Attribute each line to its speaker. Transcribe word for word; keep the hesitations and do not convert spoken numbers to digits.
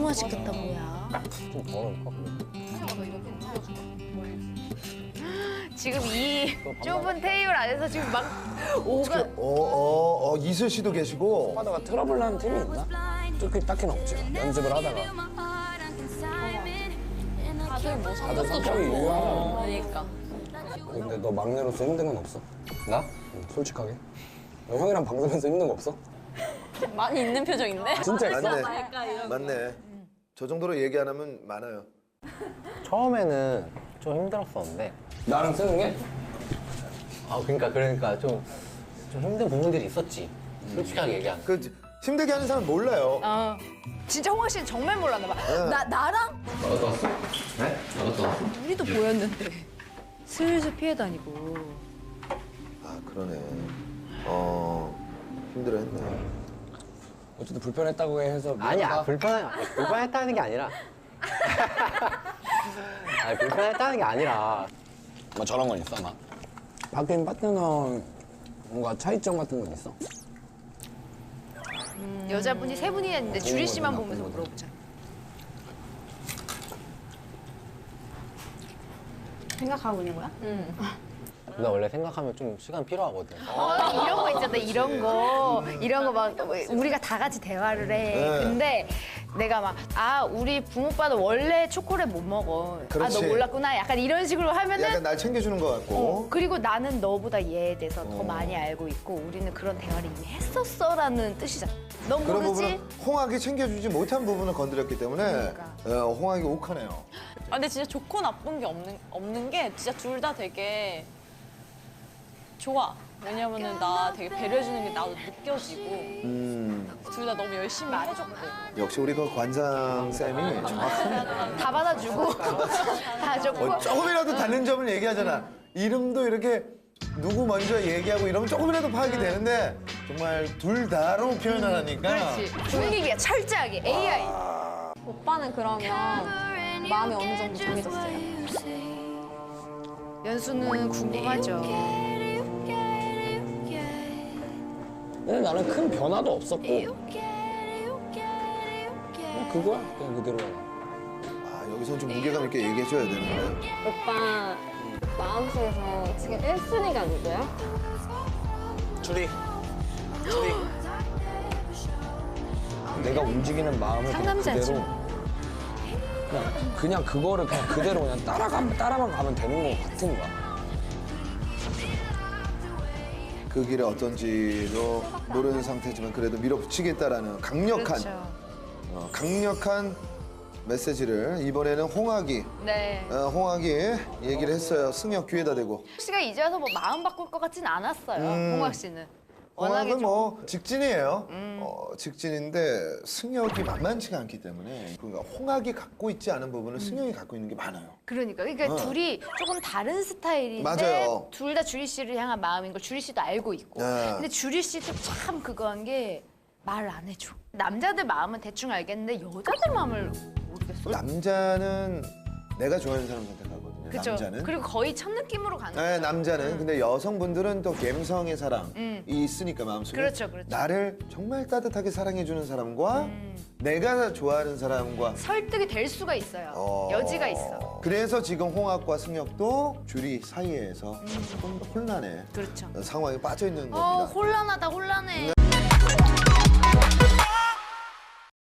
Speaker 1: 맛있겠다 뭐야.
Speaker 2: 좀 덜어볼까?
Speaker 1: 지금 이 좁은 테이블 안에서 지금 막 오가.
Speaker 3: 어, 어, 어, 이슬 씨도 계시고.
Speaker 2: 하다가 트러블 나는 팀이 있나? 딱히, 딱히는 없지. 연습을 하다가.
Speaker 4: 다들 뭐
Speaker 2: 다들 성격이 유효하잖아.
Speaker 4: 그러니까.
Speaker 2: 근데 너 막내로서 힘든 건 없어? 나? 응, 솔직하게. 너 형이랑 방송에서 힘든 거 없어?
Speaker 4: 많이 있는 표정인데?
Speaker 2: 진짜 있어?
Speaker 3: 맞네. 맞네. 저 정도로 얘기 안 하면 많아요.
Speaker 5: 처음에는 좀 힘들었었는데
Speaker 2: 나랑 쓰는 게?
Speaker 5: 아 그러니까 그러니까 좀, 좀 힘든 부분들이 있었지 솔직하게 얘기하면.
Speaker 3: 그 힘들게 하는 사람 몰라요.
Speaker 1: 어. 진짜 홍학 씨는 정말 몰랐나 봐. 나 나랑
Speaker 5: 나갔다 왔어? 네? 나갔다 왔어?
Speaker 1: 우리도 보였는데 슬슬 피해 다니고.
Speaker 3: 아, 그러네. 어, 힘들어했네.
Speaker 2: 어쨌든 불편했다고 해서
Speaker 5: 아니야 불편 불편했다는 게 아니라 아니 불편했다는 게 아니라
Speaker 2: 뭐 저런 건 있어, 막? 바뀐 파트너 뭔가 차이점 같은 건 있어?
Speaker 1: 여자분이 세 분이 있는데 주리 씨만
Speaker 2: 거잖아,
Speaker 1: 보면서
Speaker 2: 본
Speaker 1: 물어보자.
Speaker 4: 생각하고 있는 거야?
Speaker 5: 나 원래 생각하면 좀 시간 필요하거든.
Speaker 1: 어, 이런 거 있잖아, 이런 거. 이런 거 막 우리가 다 같이 대화를 해.
Speaker 3: 네.
Speaker 1: 근데 내가 막, 아, 우리 부모빠도 원래 초콜릿 못 먹어. 아,
Speaker 3: 그렇지.
Speaker 1: 너 몰랐구나. 약간 이런 식으로 하면은.
Speaker 3: 약간 날 챙겨주는 것 같고.
Speaker 1: 어, 그리고 나는 너보다 얘에 대해서 더 많이 알고 있고 우리는 그런 대화를 이미 했었어라는 뜻이잖아. 넌
Speaker 3: 그런
Speaker 1: 모르지?
Speaker 3: 부분은 홍학이 챙겨주지 못한 부분을 건드렸기 때문에
Speaker 1: 그러니까.
Speaker 3: 어, 홍학이 욱하네요.
Speaker 4: 아, 근데 진짜 좋고 나쁜 게 없는, 없는 게 진짜 둘 다 되게 좋아. 왜냐면은 나 되게 배려해주는 게 나도 느껴지고
Speaker 3: 음,
Speaker 4: 둘 다 너무 열심히 해줬고.
Speaker 3: 역시 우리 그 관장 쌤이 정확하네.
Speaker 1: 다 받아주고 다 줬고.
Speaker 3: 어, 조금이라도 다른 점을 얘기하잖아. 이름도 이렇게 누구 먼저 얘기하고 이러면 조금이라도 파악이 되는데 정말 둘 다로 표현을 하니까.
Speaker 1: 그렇지. 분위기가 철저하게 에이아이.
Speaker 4: 오빠는 그러면 마음이 어느 정도 정해졌어요?
Speaker 1: 연수는 궁금하죠.
Speaker 2: 근데 나는 큰 변화도 없었고 그냥 그거야, 그냥 그대로야.
Speaker 3: 아, 여기선 좀 무게감 있게 얘기해줘야 되는데.
Speaker 6: 오빠 마음속에서 지금 일 순위가 누구야?
Speaker 2: 주리. 주리. 내가 움직이는 마음을 그냥
Speaker 1: 상남자지.
Speaker 2: 그대로 그냥, 그냥 그거를 그냥 그대로 그냥 따라가면 따라만 가면 되는 것 같은 거야.
Speaker 3: 그 길이 어떤지도 모르는 상태지만 그래도 밀어붙이겠다라는 강력한,
Speaker 1: 그렇죠.
Speaker 3: 어, 강력한 메시지를 이번에는 홍학이,
Speaker 1: 네.
Speaker 3: 어, 홍학이 얘기를 했어요. 승혁 귀에다 대고.
Speaker 1: 홍학 씨가 이제 와서 뭐 마음 바꿀 것 같진 않았어요.
Speaker 3: 음.
Speaker 1: 홍학 씨는. 워낙에
Speaker 3: 홍학은
Speaker 1: 좀.
Speaker 3: 뭐 직진이에요. 어, 직진인데 승혁이 만만치가 않기 때문에 그러니까 홍학이 갖고 있지 않은 부분을 승혁이 갖고 있는 게 많아요.
Speaker 1: 그러니까 그러니까
Speaker 3: 어.
Speaker 1: 둘이 조금 다른 스타일인데
Speaker 3: 맞아요.
Speaker 1: 둘 다 주리 씨를 향한 마음인 걸 주리 씨도 알고 있고.
Speaker 3: 네.
Speaker 1: 근데 주리 씨도 참 그거 한 게 말을 안 해줘. 남자들 마음은 대충 알겠는데 여자들 마음을 모르겠어.
Speaker 3: 남자는 내가 좋아하는 사람 선택하거든요.
Speaker 1: 그쵸?
Speaker 3: 남자는.
Speaker 1: 그리고 거의 첫 느낌으로 가는
Speaker 3: 네,
Speaker 1: 거야.
Speaker 3: 남자는. 근데 여성분들은 또 감성의 사랑이
Speaker 1: 음.
Speaker 3: 있으니까 마음속에.
Speaker 1: 그렇죠, 그렇죠.
Speaker 3: 나를 정말 따뜻하게 사랑해주는 사람과 내가 좋아하는 사람과
Speaker 1: 설득이 될 수가 있어요.
Speaker 3: 어,
Speaker 1: 여지가 있어.
Speaker 3: 그래서 지금 홍학과 승혁도 주리 사이에서 조금 더 혼란해
Speaker 1: 그렇죠.
Speaker 3: 상황에 빠져 있는
Speaker 1: 어,
Speaker 3: 겁니다.
Speaker 1: 혼란하다, 혼란해.